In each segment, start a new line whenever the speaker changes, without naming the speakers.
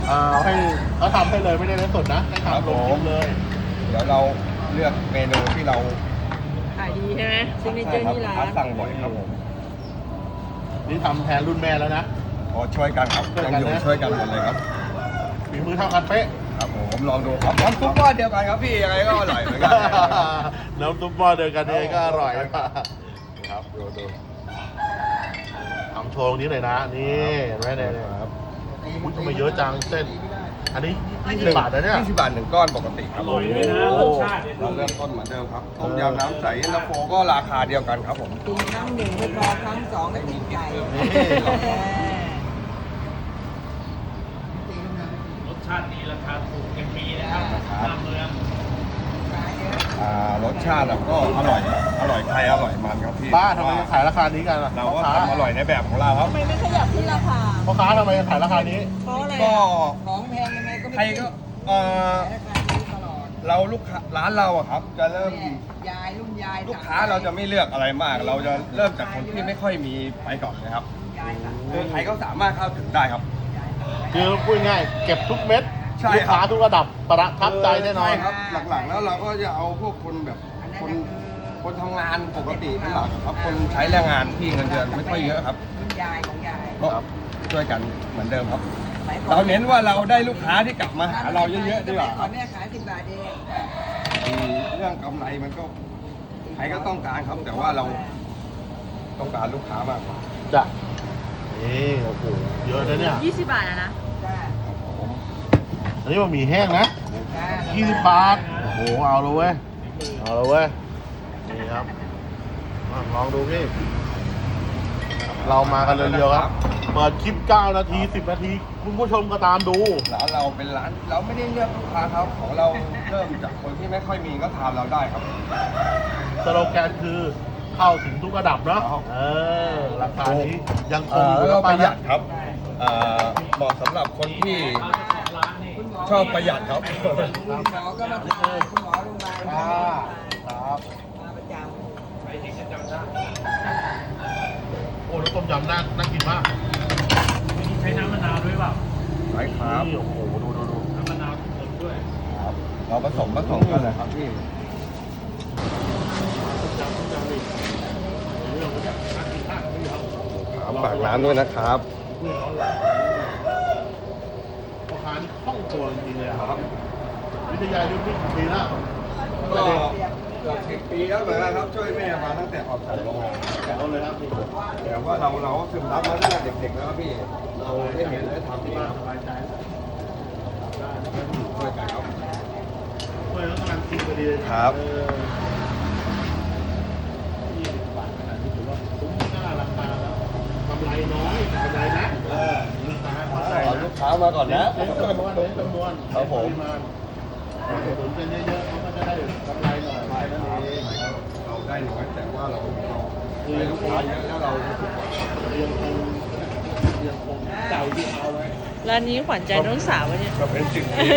ให้เขาทำให้เลยไม่ได้เล่นสดนะให้ทำลงคลิปเลย
เดี๋ยวเราเลือกเมนูที่เรา
ขายดีใช่ไหมซิกเนเจอร์ที่ร้า
ลูกค้าน สั่งบ่อยครับผม
นี่ทำแทนรุ่นแม่แล้วนะ
ขอช่วยกันครับยังอยู่ช่วยกันหมดเลยครับ
ฝีมือเท่ากันเป๊ะ
ครับผมลองดูครับน้ำซุปก้อนเดียวกันครับพี่ยังไงก็อร่อยเหมือนกัน
น้ำซุปหม้อเดียวกันเองก็อร่อยครับดูทำโชว์ตรงนี้เลยนะนี่เห็นไหมเนี่ยครับทำไมเยอะจังเส้น อันนี้20 บาทนะเนี่ย
20 บาท1ก้อนปกติครับ
อร่อยด้วยนะรสชาติเนี่ย
เราเริ่มต้นเหมือนเดิมครับต้มยำน้ำใสเย็นตาโฟก็ราคาเดียวกันครับผม
กินครั้งหนึ่งไม่พอครั้งสองไม่มีใจ
รสชาติดีราคาถูกยังมีนะครับหน้าเมือง
รสชาติก็อร่อยไทยอร่อยมันครับพี่
ป้าทำไมยังขายราคานี้กันล่ะ
เรา
พ่อ
ก็
ค้า
ทำอร่อยในแบบของเราครับ
ทำไมไม่ขยับที่ราคา
พ่อค้าทำไมยังขายราคานี้
เพราะอะไร
ก็
ของแพงยังไงก็ไม่
ใครก็
ราคานี้ตลอด
เราลูกค้าร้านเราอะครับ จะเริ่ม
ยายรุ่นยาย
ลูกค้าเราจะไม่เลือกอะไรมาก เราจะเริ่มจากคนที่ไม่ค่อยมีไปก่อนนะครับคือใครก็สามารถเข้าถึงได้ครับ
คือพูดง่ายเก็บทุกเม็ด
ใช่
ลูกค้าทุกระดับประทับใจแน่นอน
ใช่ครับ หลักๆแล้วเราก็จะเอาพวกคนแบบคนทำงานปกติเป็นหลักครับ คนใช้แรงงานที่เงินเดือนไม่ค่อยเยอะครับ
รุ่นยายของยาย
ก็ช่วยกันเหมือนเดิมครับ
สมัยก่อ
เราเน้นว่าเราได้ลูกค้าที่กลับมาหาเราเยอะๆดีกว่า
สมัก่อนแม่ขาย10 บาทเอง
เรื่องกำไรมันก็ใครก็ต้องการครับ แต่ว่าเราต้องการลูกค้ามากกว่า
จ้ะนี่โอ้โหเยอะนะเนี่ย
20 บาทนะ
อันนี้มันหมี่แห้งนะ
จ้า
20 บาท โอ้โห เอาเลยเว้ย เอาเลยเว้ย นี่ครับลองดูพี่ เรามากันเร็วๆครับ เปิดคลิป 9 นาที 10 นาที คุณผู้ชมก็ตามดู
ร้านเราเป็นร้านเราไม่ได้เลือกลูกค้าครับของเราเริ่มจากคนที่ไม่ค่อยมีก็ทานเราได้ครับ
สโลแกนคือเข้าถึงทุกระดับเนาะ
ครับ
ราคานี้ยังคงอยู่
แล้ว
นะ
ก็ประหยั
นะ
ดครับเหมาะสำหรับคนที่
ร้านนี่
ชอบประหยัดครับ
คุณหมอก็มาทานคุณหมอโรงพยาบาล
ครับ
มาประจ
ใครที่จะจำได้
โอ้แล้วต้มยำน่ากินมาก
มีใช้น้ำมะนาวด้วยเปล่า
ใช่ครับ
นี่โอ้โห ดู
น้ำมะนาวสดด้วย
ครับเราผสมกันเลยครับพี่ฝากร้านด้วยนะครับ
พ่อค้านี่คล่องตัวจริงๆเลยอะครับ วิทยายุทธนี่กี่ปีแล้ว
ก็เกือบ10 ปีแล้วเหมือนกันครับช่วยแม่มาตั้งแต่ออกจากโรงงาน
แถวเลยครับนี่
แต่ว่าเราก็ซึมซับมาตั้งแต่เด็กๆแล้วครับพี่เราได้เห็นได้ทำที่
บ้า
บ้าน น
สบายใจ
ช่วยกันครับ
ช่วยแล้วกำลังกินพอดีเลย
ครับ
20 บาทขนาดนี้ถือว่าคุ้มค่าราคาแล้วกำไรน้อยแต่กำไรนะลูกค้าเข้าใจ
ขอ
นะ
ลูกค้ามาก่อนนะ
เน้นจำนวน
ครับผม
ปริมาณสนุนกันเยอะๆเขาก็จะได้กำไรหน่อยแค่นั้นเอง
เราได้น้อยแต่ว่าเราได้ลูกค้าเยอะแล้วเรารู้สึกว่า
ยังคงเก่าที่เอาไว้
ร้านนี้ขวัญใจน้องสาวเนี่ย
ก็เป็นสิ่งที่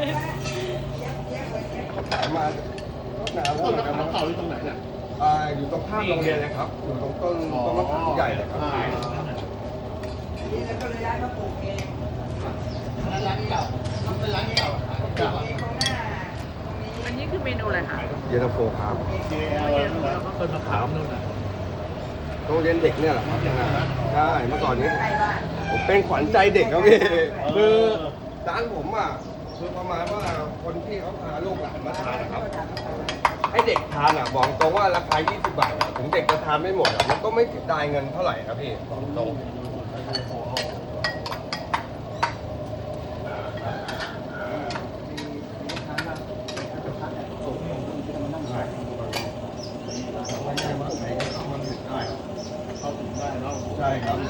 ขายมาก็นานแล้ว
ต้น
เหมือนกัน
มะ
นะ
ขามเก่าอยู่ตรงไหนเนี่ย
อยู่ตรงข้ามโรงเรียนเลยครับ อยู่ตรงต้นมะขามใหญ่เลยครับ
นี่แล้วก็เลยย้ายมาปลูกเอง
ร้านเก่าเป็นร้านเก่าเก่า
อันนี้คือเมนูอะไรคะ
เย็นตาโฟครับ
JL นั่นแหละก็ต้นมะขามนู่นน่ะ
โรงเรียนเด็กเนี่ยแหละครับใช่เมื่อก่อนนี้ผมเป็นขวัญใจเด็กครับพี่คือร้านผมอ่ะคือประมาณว่าคนที่เขาพาลูกหลานมาทานนะครับ ให้เด็กทานอ่ะบอกตรงว่าราคา 20 บาทอะถึงเด็กจะทานไม่หมดอะมันก็ไม่เสียดายเงินเท่าไหร่ครับพี่บอกตรง
เข้าถึงได้เนาะ
ใช่ครับ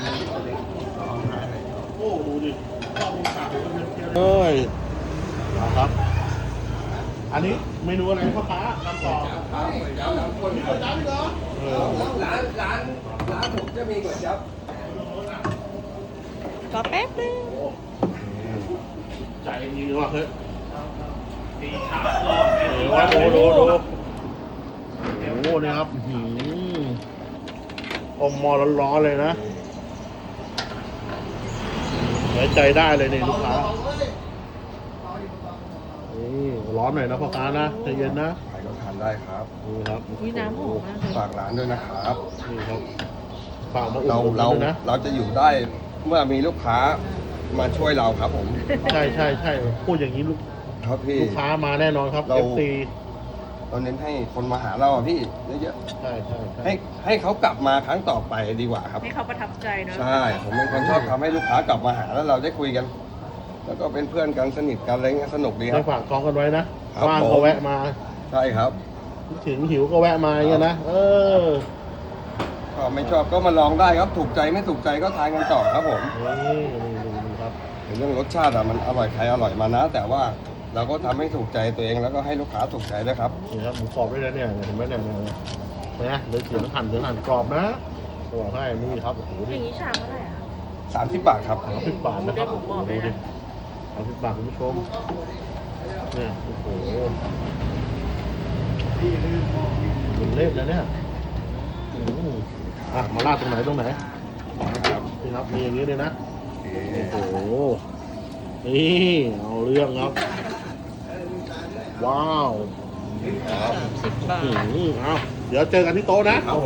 โอ้ดูดิชอบมีขาดเป็นเพี้ยนๆเอ้ยครับ อันนี้เมนูอะไรพ่อค้าทำต่อคนที่คนนั้นเหรอ
ร้านผมจะมีก๋วยจั๊บ
ก็แป๊บนึง
ใจจริงๆว่ะเฮ้ย
ตีชาร้อน
ว่าดูโอ้โหนี่ครับอมมอร้อนๆเลยนะไว้ใจได้เลยนี่ลูกค้านี่ร้อนหน่อยนะพ่อค้านะใจเย็นนะ
ใครก็ทานได้ครับ
นี่ครับ
อุ๊ยน้ำหอมมากเลย
ฝากร้านด้วยนะครับ
นี่ครับฝากมาอุด
เรา
หนุน
เรา
ด้วยนะ
เราจะอยู่ได้เมื่อมีลูกค้ามาช่วยเราครับผม
ใช่ใช่ใช่พูดอย่างนี้
ครับพี่
ลูกค้ามาแน่นอนครับ
เรา
FC
เราเน้นให้คนมาหาเราอะพี่เยอะ
ใช่ใช่
ๆ
ใช่
ให้เขากลับมาครั้งต่อไปดีกว่าครับ
ให้เขาประทับใจเนอะ
ใช่ ผมเป็นคนชอบทำให้ลูกค้ากลับมาหาแล้วเราได้คุยกัน แล้วก็เป็นเพื่อนกันสนิทกันอะไรเงี้ยสนุกดีค
ให้
รับ
ฝากท้องกันไว้นะครับ ว่าง
ผม
ก็แวะมา
ใช่ครับ
ถึงหิวก็แวะมาอย่างเงี้ยนะอ
ก็ไม่ชอบก็มาลองได้ครับถูกใจไม่ถูกใจก็ทานกันต่อครับผม
นี่ครับ
เรื่องรสชาติอะมันอร่อยใครอร่อยมานะ แต่ว่าเราก็ทำให้ถูกใจตัวเองแล้วก็ให้ลูกค้าถูกใจด้วยครับ
นี่ครับหมูกรอบด้วยนะเนี่ยเห็นไหมเนี่ยนะเลยเสียงหั่นกรอบนะบอกให้นี่ครับโอ้โห
อ
นี่
ย่างนี้ชามเท่าไหร่อะ
30 บาทครับ
30 บาทนะครับ
ได้หมูกรอบไหม
ดูดิ
อะ
30 บาทคุณผู้ชมเนี่ยโอ้โหเป็นเล่มแล้วเนี่ยอืมอ่ะมาลาดตรงไหนนี่ครับมีอย่างนี้เลยนะโอ้โหนี่เอาเรื่องครับว้าว
10 บาท
เอาเดี๋ยวเจอกันที่โต๊ะนะ